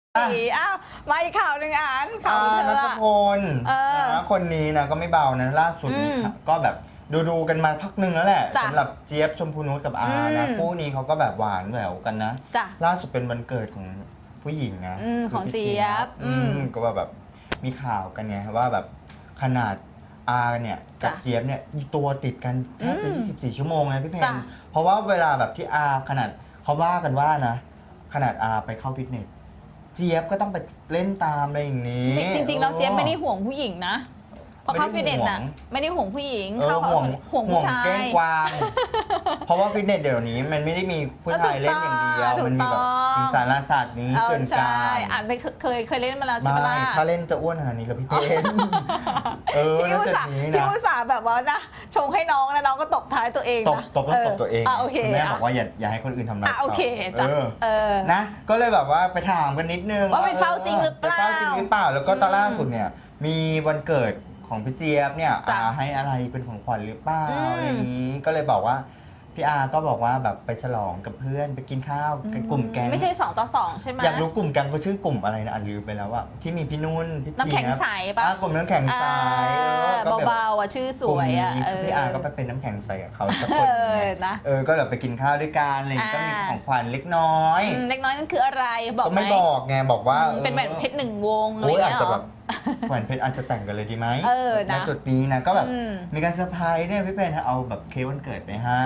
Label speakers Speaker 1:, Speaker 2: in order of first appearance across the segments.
Speaker 1: อ้าวมาอีกข่าวหนึ่งข่าวเธอ
Speaker 2: ณัฐพลนะคนนี้นะก็ไม่เบานะล่าสุดนี้ก็แบบดูกันมาพักหนึ่งแล้วแหละสำหรับเจี๊ยบชมพูนุชกับอานะคู่นี้เขาก็แบบหวานแหววกันนะล่าสุดเป็นวันเกิดของผู้หญิงนะ
Speaker 1: ของเจี๊ยบ
Speaker 2: ก็แบบมีข่าวกันไงว่าแบบขนาดอาเนี่ยกับเจี๊ยบเนี่ยตัวติดกันแทบจะ24 ชั่วโมงนะพี่เพนเพราะว่าเวลาแบบที่อาขนาดเขาว่ากันว่านะขนาดอาไปเข้าฟิตเนสเจี๊ยบก็ต้องไปเล่นตามอะไรอย่างนี้
Speaker 1: จริงๆแล้วเจี๊ยบไม่ได้ห่วงผู้หญิงนะพอเข้าฟิตเนสน่ะไม่ได้ห่วงผู้หญิงเข้าห่วงผู้ชาย
Speaker 2: เก้งกวางเพราะว่าฟิตเนสเดี๋ยวนี้มันไม่ได้มีผู้ชายเล่นอย่างเดียวมันมีแบบสิงสารศาสตร์นี้เกินการ
Speaker 1: อ่านไปเคยเล่นมาแล้วใช่ไหมล่ะ
Speaker 2: ถ้าเล่นจะอ้วนขนาดนี้เหรอพี่เพนน่าจะนี้นะ
Speaker 1: พี่อุตส่าห์แบบว่านะชงให้น้องแล้วน้องก็ตบท้ายตัวเองนะ
Speaker 2: ตบตัวเองแม่บอกว่าอย่าให้คนอื่นทำร้าย
Speaker 1: โอเคจ้ะ
Speaker 2: นะก็เลยแบบว่าไปถามกันนิดนึง
Speaker 1: ว่าไปเฝ้าจริงหรือเปล่
Speaker 2: าแล้วก็ตอนล่าสุดเนี่ยมีวันเกิดของพี่เจี๊ยบเนี่ยให้อะไรเป็นของขวัญหรือเปล่าอะไรอย่างนี้ก็เลยบอกว่าพี่อาก็บอกว่าแบบไปฉลองกับเพื่อนไปกินข้าวกันกลุ่มแก๊ง
Speaker 1: ไม่ใช่2 ต่อ 2ใช่ไหม
Speaker 2: อยากรู้กลุ่มแก๊งก็ชื่อกลุ่มอะไรนะลืมไปแล้วอะที่มีพี่นุ่นพี่เจี๊ยบ
Speaker 1: น้ำแข็งใสป่ะ
Speaker 2: กลุ่มน้ำแข็งใส
Speaker 1: เบาๆอ่ะชื่อสวยอ่ะ
Speaker 2: พี่อาก็ไปเป็นน้ำแข็งใสกับเขาสักคนนะก็แบบไปกินข้าวด้วยกันอะไรก็มีของขวัญเล็กน้อย
Speaker 1: นั่นคืออะไรบอกไหม
Speaker 2: ก็ไม่บอกไงบอกว่า
Speaker 1: เป็นแหวนเพชร1 วงอะไรอย่างเงี้ย
Speaker 2: แหวนเพชรอาจจะแต่งกันเลยดีไหมณจุดนี้นะก็แบบมีการเซอร์ไพรส์เนี่ยพี่เพนเอาแบบเค้กวันเกิดไปให้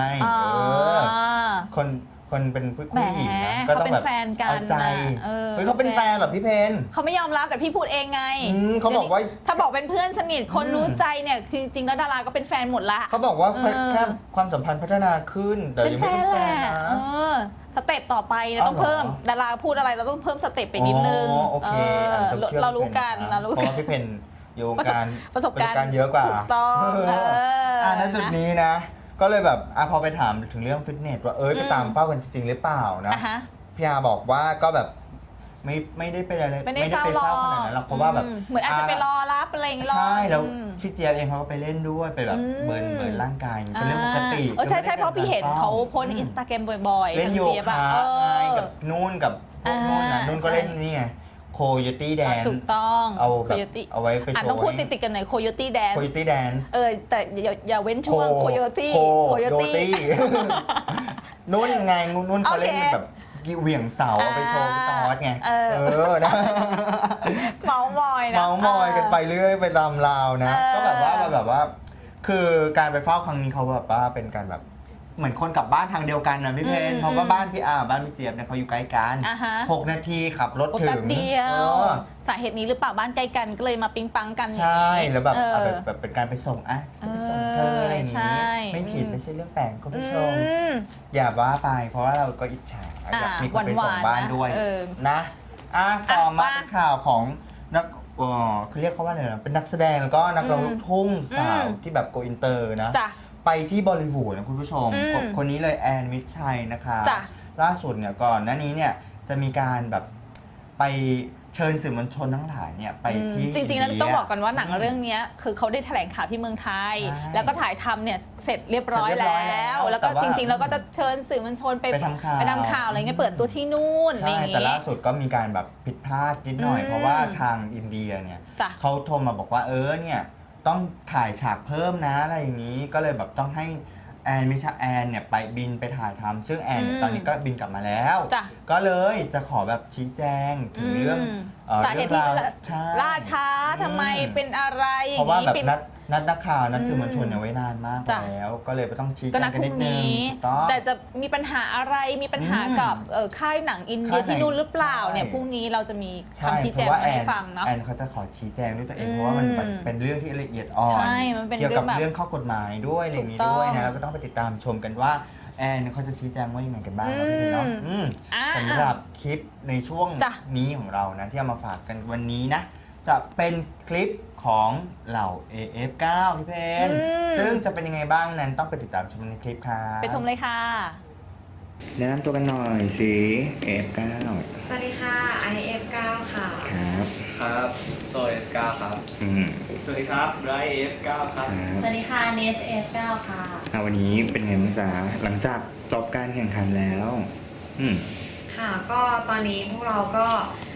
Speaker 2: คนเป็นผู้หญิงนะก็ต้องแบบเอาใจเขาเป็นแฟนเหรอพี่เพน
Speaker 1: เขาไม่ยอมรับแต่พี่พูดเองไง
Speaker 2: เขาบอกว่า
Speaker 1: ถ้าบอกเป็นเพื่อนสนิทคนรู้ใจเนี่ยจริงๆแล้วดาราก็เป็นแฟนหมดละ
Speaker 2: เขาบอกว่าแค่ความสัมพันธ์พัฒนาขึ้นแต่ยังไม่เป็นแฟนนะ
Speaker 1: สเต็ปต่อไปต้องเพิ่มดาราพูดอะไรเราต้องเพิ่มสเต็ปไปนิดนึงเรารู้กัน
Speaker 2: เพราะว่าพี่เพนอยู่การ
Speaker 1: ประสบการณ์
Speaker 2: เยอะกว่า
Speaker 1: ถูกต้อง
Speaker 2: ณจุดนี้นะก็เลยแบบพอไปถามถึงเรื่องฟิตเนสว่าไปตามเป้ากันจริงหรือเปล่านะพี่อาบอกว่าก็แบบไม่ได้เป็นอะไร
Speaker 1: ไม่ได้เฝ้า
Speaker 2: ขนาดนั้นหรอกเพราะว่าแบบ
Speaker 1: เหมือนอาจจะไปรอรับอะไรอย่างเงี้ย
Speaker 2: ใช่แล้วพี่เจี๊ยบเองเขาก็ไปเล่นด้วยไปแบบเบิร์นร่างกายเป็นเรื่องปกติ
Speaker 1: ใช่เพราะพี่เห็นเขาโพสในInstagram บ่อยๆ
Speaker 2: เล่นโยคะกับนุ่นกับพวกนุ่นนะนุ่นก็เล่นนี่ไงโคโยตี้แดน
Speaker 1: ถูกต้อง
Speaker 2: เอาไว้ไปโชว์
Speaker 1: ต้องพูดติดกันหน่อยโคโยตี้แดนแต่อย่าเว้นช่วงโคโยตี้
Speaker 2: นุ่นไงนุ่นเขาเล่นแบบเหวี่ยงเสาเอาไปโชว์พี่ตอสไงนะ
Speaker 1: เมาส์ม
Speaker 2: อยกันไปเรื่อยไปตามราวนะก็แบบว่าคือการไปเฝ้าครั้งนี้เขาแบบว่าเป็นการแบบเหมือนคนกลับบ้านทางเดียวกันนะพี่เพนเพราะว่าบ้านพี่บ้านพี่เจี๊ยบเนี่ยเขาอยู่ใกล้กัน6 นาทีขับรถถึง
Speaker 1: เดียวสาเหตุนี้หรือเปล่าบ้านใกล้กันก็เลยมาปิ๊งปังกัน
Speaker 2: ใช่แล้วแบบเป็นการไปส่งไปส่งเธออะไรอย่างนี้ไม่ผิดไม่ใช่เรื่องแปลกคุณผู้ชมอย่าว่าไปเพราะว่าเราก็อิจฉาอยากมีคนไปส่งบ้านด้วยนะต่อมาเป็นข่าวของนักเขาเรียกเขาว่าอะไรนะเป็นนักแสดงแล้วก็นักร้องลูกทุ่งสาวที่แบบโกอินเตอร์นะไปที่บอลลีวูดนะคุณผู้ชมคนนี้เลยแอนมิตรชัยนะคะล่าสุดเนี่ยก่อนหน้านี้เนี่ยจะมีการแบบไปเชิญสื่อมวลชนทั้งหลายเนี่ยไปที่
Speaker 1: จริงๆแล้วต้องบอกกันว่าหนังเรื่องนี้คือเขาได้แถลงข่าวที่เมืองไทยแล้วก็ถ่ายทำเนี่ยเสร็จเรียบร้อยแล้วก็จริงๆแล้วก็จะเชิญสื่อมวลชนไปทำข่าวอะไรเงี้ยเปิดตัวที่นู่นอะไรอย่างเงี้ย
Speaker 2: แต่ล่าสุดก็มีการแบบผิดพลาดนิดหน่อยเพราะว่าทางอินเดียเนี่ยเขาโทรมาบอกว่าเนี่ยต้องถ่ายฉากเพิ่มนะอะไรอย่างนี้ก็เลยแบบต้องให้แอนเนี่ยไปบินไปถ่ายทำซึ่งแอนตอนนี้ก็บินกลับมาแล้วก็เลยจะขอแบบชี้แจงถึงเรื่อง
Speaker 1: สาเหตุที่ล่าช้าทำไมเป็นอะไร
Speaker 2: เพราะว่าแบบนักข่าวนัดสื่อมวลชนเนี่ยไว้นานมากแล้วก็เลยไปต้องชี้แจงกันนิดนึง
Speaker 1: แต่จะมีปัญหาอะไรมีปัญหากับค่ายหนังอินเดียที่นู่นหรือเปล่าเนี่ยพรุ่งนี้เราจะมีคำชี้แจงให้ฟังเนาะ
Speaker 2: แอนเขาจะขอชี้แจงด้วยตัวเองเพราะว่ามันเป็นเรื่องที่ละเอียดอ่อนเกี่ยวกับเรื่องข้อกฎหมายด้วยอะไรอย่างนี้ด้วยนะเราก็ต้องไปติดตามชมกันว่าแอนเขาจะชี้แจงว่ายังไงกันบ้างครับพี่เนาะสำหรับคลิปในช่วงนี้ของเรานะที่เอามาฝากกันวันนี้นะจะเป็นคลิปของเหล่า AF9 พี่เพนซึ่งจะเป็นยังไงบ้างนั้นต้องไปติดตามชมในคลิปค่ะ
Speaker 1: ไปชมเลยค่ะ
Speaker 2: แนะนำตัวกันหน่อยสิ AF9
Speaker 3: สวัสดีค่ะ IF9 ค่ะ
Speaker 2: ครับ
Speaker 4: โซ F9 ครับสวัสดีครับไร F9 ครับ
Speaker 3: สวัสดีค่ะเนส F9 ค่ะ
Speaker 2: วันนี้เป็นไงบ้างจ๊ะหลังจากจบการแข่งขันแล้ว
Speaker 3: ค่ะก็ตอนนี้พวกเราก็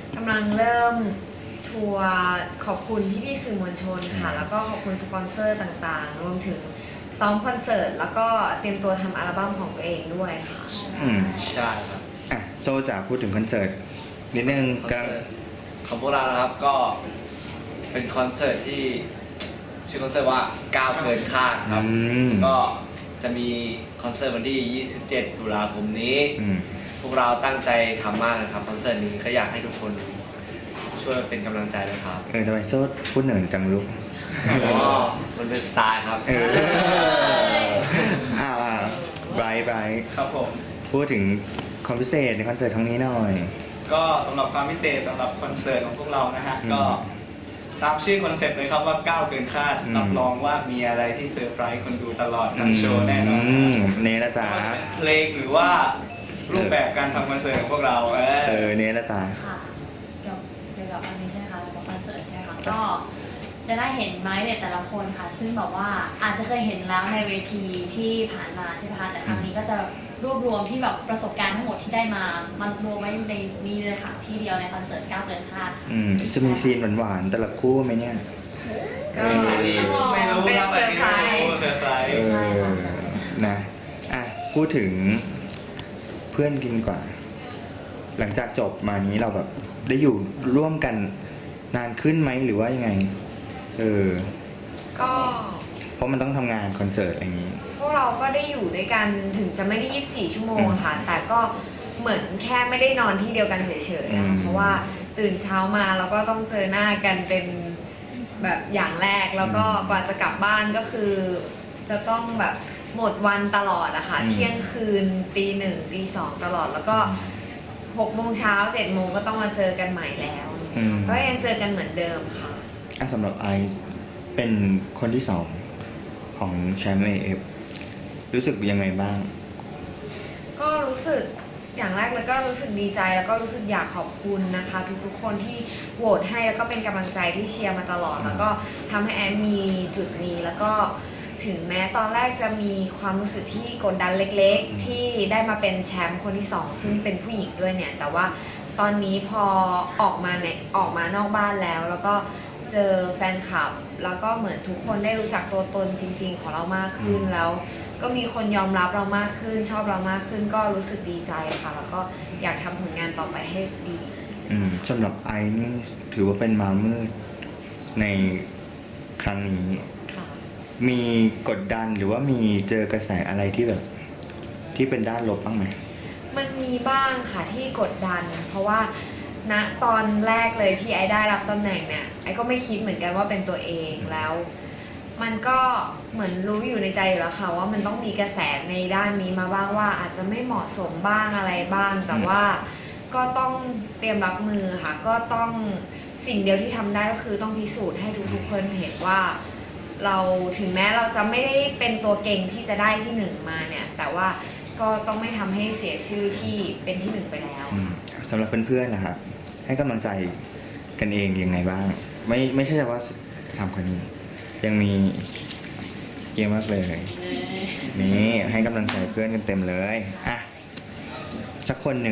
Speaker 3: กำลังเริ่มทัวร์ขอบคุณพี่ๆสื่อมวลชนค่ะ แล้วก็ขอบคุณสปอนเซอร์ต่างๆ รวมถึงซ้อมคอนเสิร์ตแล้วก็เตรียมตัวทำอัลบั้มของตัวเองด้วยค่ะ
Speaker 4: ใช่ครับ
Speaker 2: โซจะพูดถึงคอนเสิร์ตนิดนึง
Speaker 4: คอนเสิร์ตของพวกเรานะครับก็เป็นคอนเสิร์ตที่ชื่อคอนเสิร์ตว่าก้าวเกินคาดครับก็จะมีคอนเสิร์ตวันที่ 27 ตุลาคมนี้พวกเราตั้งใจทำมากนะครับคอนเสิร์ตนี้ก็อยากให้ทุกคนช่วยเป็นกำลังใจเลยครับ
Speaker 2: ทำไมโซพูดเหนื่อยจังลูก
Speaker 4: มันเป็นสไตล์ครับ
Speaker 2: ไบรท์
Speaker 4: ครับผม
Speaker 2: พูดถึงความพิเศษในคอนเสิร์ตครั้งนี้หน่อย
Speaker 5: ก็สำหรับความพิเศษสำหรับคอนเสิร์ตของพวกเรานะฮะก็ตามชื่อคอนเซ็ปต์เลยครับว่าก้าวเกินคาดรับรองว่ามีอะไรที่เซอร์ไพรส์คนดูตลอดทั้งโชว์แน่นอน
Speaker 2: เนละจ้า
Speaker 5: เพลงหรือว่ารูปแบบการทำคอนเสิร์ตของพวกเรา
Speaker 2: เนละจ้า
Speaker 6: ค่ะเกี่ยวกับอันนี้ใช่ไหมคะกับคอนเสิร์ตใช่ไหมคะก็จะได้เห็นไม้เด็ดแต่ละคนค่ะซึ่งแบบว่าอาจจะเคยเห็นแล้วในเวทีที่ผ่านมาใช่ไหมคะแต่ครั้งนี้ก็จะรวบรวมที่แบบประสบการณ์ทั้งหมดที่ได้มามันรวมไว้ในนี้เลยค่ะที่เดียวในคอนเสิร์ตก้าวเกินคาด
Speaker 2: จะมีซีนหวานๆแต่ละคู่ไหมเนี่ย
Speaker 3: ก็ไม่รู้เป็นเซอร์ไพรส์
Speaker 2: นะพูดถึงเพื่อนกินก่อนหลังจากจบมานี้เราแบบได้อยู่ร่วมกันนานขึ้นไหมหรือว่ายังไง
Speaker 3: ก็
Speaker 2: เพราะมันต้องทำงานคอนเสิร์ตอะไรอย่างนี้
Speaker 3: พวกเราก็ได้อยู่ด้วยกันถึงจะไม่ได้24 ชั่วโมงค่ะแต่ก็เหมือนแค่ไม่ได้นอนที่เดียวกันเฉยๆเพราะว่าตื่นเช้ามาแล้วก็ต้องเจอหน้ากันเป็นแบบอย่างแรกแล้วก็กว่าจะกลับบ้านก็คือจะต้องแบบหมดวันตลอดอะค่ะเที่ยงคืนตี 1 ตี 2ตลอดแล้วก็6 โมงเช้า7 โมงก็ต้องมาเจอกันใหม่แล้วก็ยังเจอกันเหมือนเดิมค่ะ
Speaker 2: สำหรับไอซ์เป็นคนที่2ของแชมป์ AF รู้สึกยังไงบ้าง
Speaker 3: ก็รู้สึกอย่างแรกเลยก็รู้สึกดีใจแล้วก็รู้สึกอยากขอบคุณนะคะทุกๆคนที่โหวตให้แล้วก็เป็นกำลังใจที่เชียร์มาตลอดแล้วก็ทำให้แอมมีจุดนี้แล้วก็ถึงแม้ตอนแรกจะมีความรู้สึกที่กดดันเล็กๆที่ได้มาเป็นแชมป์คนที่2ซึ่งเป็นผู้หญิงด้วยเนี่ยแต่ว่าตอนนี้พอออกมานอกบ้านแล้วก็เจอแฟนคลับแล้วก็เหมือนทุกคนได้รู้จักตัวตนจริงๆของเรามากขึ้นแล้วก็มีคนยอมรับเรามากขึ้นชอบเรามากขึ้นก็รู้สึกดีใจค่ะแล้วก็อยากทำผลงานต่อไปให้ดี
Speaker 2: สำหรับไอนี่ถือว่าเป็นมามืดในครั้งนี้มีกดดันหรือว่ามีเจอกระแสอะไรที่แบบที่เป็นด้านลบบ้างไหม
Speaker 3: มันมีบ้างค่ะที่กดดันเพราะว่าณตอนแรกเลยที่ไอ้ได้รับตำแหน่งเนี่ยไอ้ก็ไม่คิดเหมือนกันว่าเป็นตัวเองแล้วมันก็เหมือนรู้อยู่ในใจอยู่แล้วค่ะว่ามันต้องมีกระแสในด้านนี้มาบ้างว่าอาจจะไม่เหมาะสมบ้างอะไรบ้างแต่ว่าก็ต้องเตรียมรับมือค่ะก็ต้องสิ่งเดียวที่ทำได้ก็คือต้องพิสูจน์ให้ทุกๆคนเห็นว่าเราถึงแม้เราจะไม่ได้เป็นตัวเก่งที่จะได้ที่1มาเนี่ยแต่ว่าก็ต้องไม่ทำให้เสียชื่อที่เป็นที่1ไปแล้ว
Speaker 2: สำหรับเพื่อนๆนะครับให้กำลังใจกันเองยังไงบ้างไม่ใช่เฉพาะ3 คนนี้ยังมีเยอะมากเลยนี่ให้กำลังใจเพื่อนกันเต็มเลยสักคนหนึ่ง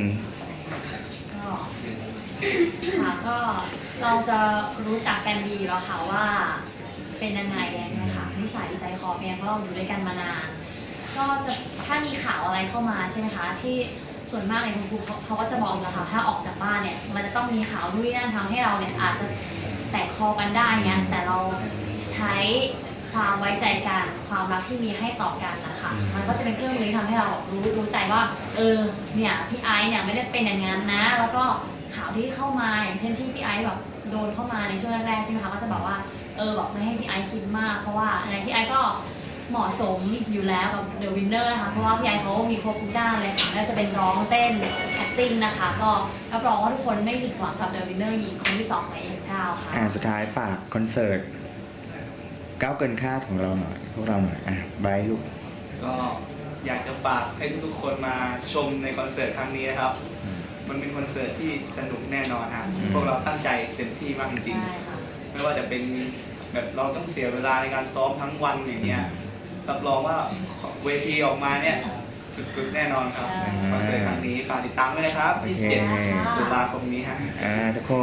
Speaker 6: ค่ะก็เราจะรู้จักกันดีแล้วค่ะว่าเป็นยังไงค่ะนิสัยใจคอเป็นเพราะเราอยู่ด้วยกันมานานก็จะถ้ามีข่าวอะไรเข้ามาใช่ไหมคะที่ส่วนมากในคุณครูเขาก็จะบอกนะคะถ้าออกจากบ้านเนี่ยมันจะต้องมีข่าวด้วยนั่นทำให้เราเนี่ยอาจจะแตกคอกันได้เนี่ยแต่เราใช้ความไว้ใจกันความรักที่มีให้ต่อกันนะคะมันก็จะเป็นเครื่องมือที่ทำให้เรารู้ใจว่าเนี่ยพี่ไอซ์เนี่ยไม่ได้เป็นอย่างนั้นนะแล้วก็ข่าวที่เข้ามาอย่างเช่นที่พี่ไอซ์แบบโดนเข้ามาในช่วงแรกๆใช่ไหมคะก็จะบอกว่าบอกไม่ให้พี่ไอซ์คิดมากเพราะว่าอะไรพี่ไอซ์ก็เหมาะสมอยู่แล้วกับ The Winner นะคะเพราะว่าพี่ไอซ์เขามีครบทุกด้านเลยค่ะไม่ว่าจะเป็นร้องเต้น acting นะคะก็รับรองว่าทุกคนไม่ผิดหวังกับ The Winner หญิงคนที่2ใน F9 ค่ะ
Speaker 2: สุดท้ายฝากคอนเสิร์ตก้าวเกินคาดของเราหน่อยพวกเราหน่อยไบร์ทลูก
Speaker 5: ก็อยากจะฝากให้ทุกๆคนมาชมในคอนเสิร์ตครั้งนี้นะครับมันเป็นคอนเสิร์ตที่สนุกแน่นอนครับพวกเราตั้งใจเต็มที่มากจริงๆไม่ว่าจะเป็นแบบเราต้องเสียเวลาในการซ้อมทั้งวันอย่างเงี้ยรับรองว่าเวทีออกมาเนี่ยสุดๆแน่นอนครับคอนเสิร์ตครั้งนี้ฝากติดตามด้วยนะครับ
Speaker 2: โอเค
Speaker 5: 27 ตุลาคมนี้ฮะ
Speaker 2: ทุกคน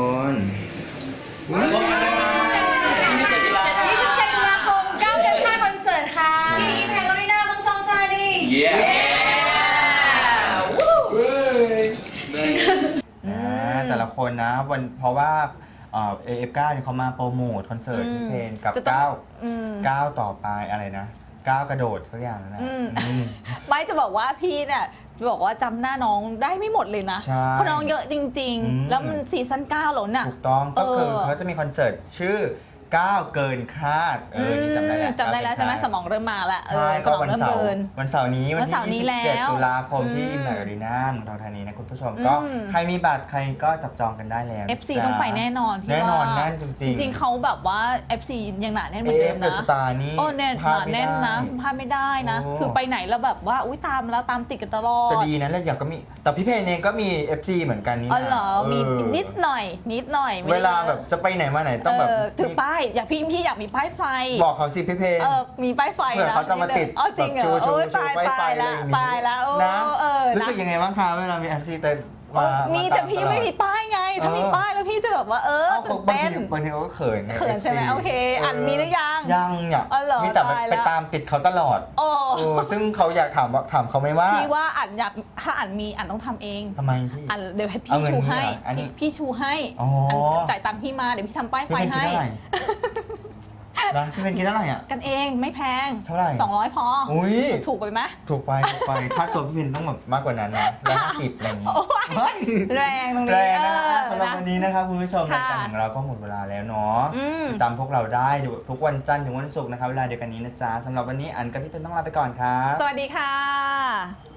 Speaker 3: 27 ตุลาคม9 เดือนค่าคอนเสิร์ตค่ะ
Speaker 6: ที่อิมแพคอารีนาเมืองทองธานี
Speaker 5: เย้
Speaker 2: แต่ละคนนะเพราะว่าAF9 เนี่ยเขามาโปรโมทคอนเสิร์ตพี่เพนกับ9ต่อไปอะไรนะ9กระโดดสักอย่างนะ
Speaker 1: ไม่จะบอกว่าพี่เนี่ยจะบอกว่าจำหน้าน้องได้ไม่หมดเลยนะ
Speaker 2: ใช่
Speaker 1: เพราะน้องเยอะจริง ๆ แล้วมันซีซั่น9แล้วน่ะ
Speaker 2: ถูกต้องก็คือเขาจะมีคอนเสิร์ตชื่อ9เกินคาดนี่จำได้แล้ว
Speaker 1: จำได้แล้วใช่ไหมสมองเริ่มมาแล้ว
Speaker 2: ใช่
Speaker 1: ส
Speaker 2: ก็
Speaker 1: มอง
Speaker 2: วัน
Speaker 1: เริ่ม
Speaker 2: เสาร์
Speaker 1: เดิน
Speaker 2: วันเสาร์นี้วัน
Speaker 1: วันเสาร์นี้
Speaker 2: ที่
Speaker 1: แล้ว
Speaker 2: 27 ตุลาคมที่อิมแพคอารีนาเมืองทองธานีนะคุณผู้ชมก็ใครมีบัตรใครก็จับจองกันได้แล้ว
Speaker 1: FC ต้องไปแน่นอนพี่
Speaker 2: แน่นอน
Speaker 1: ว่า
Speaker 2: แน่นจริง
Speaker 1: จริงๆเขาแบบว่า FC ยังหนาแน่นเหมือนเดิม
Speaker 2: เด
Speaker 1: นะ
Speaker 2: สตาร์นี่
Speaker 1: โอ้แน่น
Speaker 2: พลาด
Speaker 1: แน่นนะพลาดไม่ได้นะ
Speaker 2: โอ้
Speaker 1: คือไปไหนแล้วแบบว่าอุ้ยตามแล้วตามติดกันตลอด
Speaker 2: แต่ดีนะแล้วอย่างก็มีแต่พี่เพนเองก็มี FC เหมือนกันนี่
Speaker 1: อ๋อ
Speaker 2: นะ
Speaker 1: เหรอมีนิดหน่อยไม่ได้
Speaker 2: เวลาแบบจะไปไหนมาไหนต้องแบบ
Speaker 1: ถือป้ายอยากพี่อยากมีป้ายไฟ
Speaker 2: บอกเขาสิพี่เพน
Speaker 1: มีป้ายไฟ
Speaker 2: เผื่อ
Speaker 1: นะ
Speaker 2: เขาจะมาติด
Speaker 1: อ๋อจริงเหรอ
Speaker 2: แบบชู
Speaker 1: โอ้ย
Speaker 2: ชู
Speaker 1: ตาย
Speaker 2: ไฟ
Speaker 1: ตาย
Speaker 2: อะไร
Speaker 1: แล้ว
Speaker 2: อย่างงี้
Speaker 1: ตายแล้วโอ้
Speaker 2: นะ รู้
Speaker 1: นะ
Speaker 2: สึกยังไงบ้างคะเวลามี FC เต้นมา
Speaker 1: มี
Speaker 2: า
Speaker 1: แต่
Speaker 2: ตา
Speaker 1: พี่
Speaker 2: ตลอด
Speaker 1: ไม่มีป้ายไง ถ้ามีป้ายแล้วพี่จะแบบว่า
Speaker 2: เอ้า
Speaker 1: ตื่น
Speaker 2: บาง
Speaker 1: เต้น
Speaker 2: ทีเขาก็เขินไง
Speaker 1: เขินใช่ไหม
Speaker 2: FC
Speaker 1: โอเคอันมีหรือยัง
Speaker 2: ยังอยาก
Speaker 1: อ๋อเหรอ
Speaker 2: มีแต่
Speaker 1: ตายแล้ว
Speaker 2: ไปตามติดเขาตลอด
Speaker 1: โอ้
Speaker 2: ซึ่งเขาอยากถามเขาไหมว่า
Speaker 1: พี่ว่าอันอยากถ้าอันมีอันต้องทำเอง
Speaker 2: ทำไมพี่
Speaker 1: อันเดี๋ยวให้
Speaker 2: เอา
Speaker 1: พี่
Speaker 2: เงิน
Speaker 1: ชู
Speaker 2: พี่
Speaker 1: ให้
Speaker 2: เหรออันนี้
Speaker 1: พี่ชูให้
Speaker 2: อ๋ออั
Speaker 1: นจ่ายตังค์พี่มาเดี๋ยวพี่ทำป้ายไฟ
Speaker 2: พี่เป็นคิด
Speaker 1: ให้
Speaker 2: เท่าไหร่นะพี่เป็นคิดเท่าไหร่อ่ะ
Speaker 1: กันเองไม่แพง
Speaker 2: เท่าไหร่
Speaker 1: 200 พอ
Speaker 2: อุ้ย
Speaker 1: ถูกไปไหม
Speaker 2: ถูกไปถ้าตัวพี่เป็นต้องแบบมากกว่านั้นนะ150อะไรอย่างงี้
Speaker 1: โอ้ย
Speaker 2: เฮ้ย
Speaker 1: แรงตรง
Speaker 2: แร
Speaker 1: นี้
Speaker 2: งนะ
Speaker 1: เออ
Speaker 2: สำหรับวันนี้นะครับคุณผู้ชมราย
Speaker 1: ค่ะ
Speaker 2: การของเราก็หมดเวลาแล้วเนาะ
Speaker 1: อืม
Speaker 2: ติดตามพวกเราได้ทุกวันจันทร์ถึงวันศุกร์นะครับเวลาเดียวกันนี้นะจ๊ะสำหรับวันนี้อันกับพี่เป็นต้องลาไปก่อนครับ
Speaker 1: สวัสดีค่ะ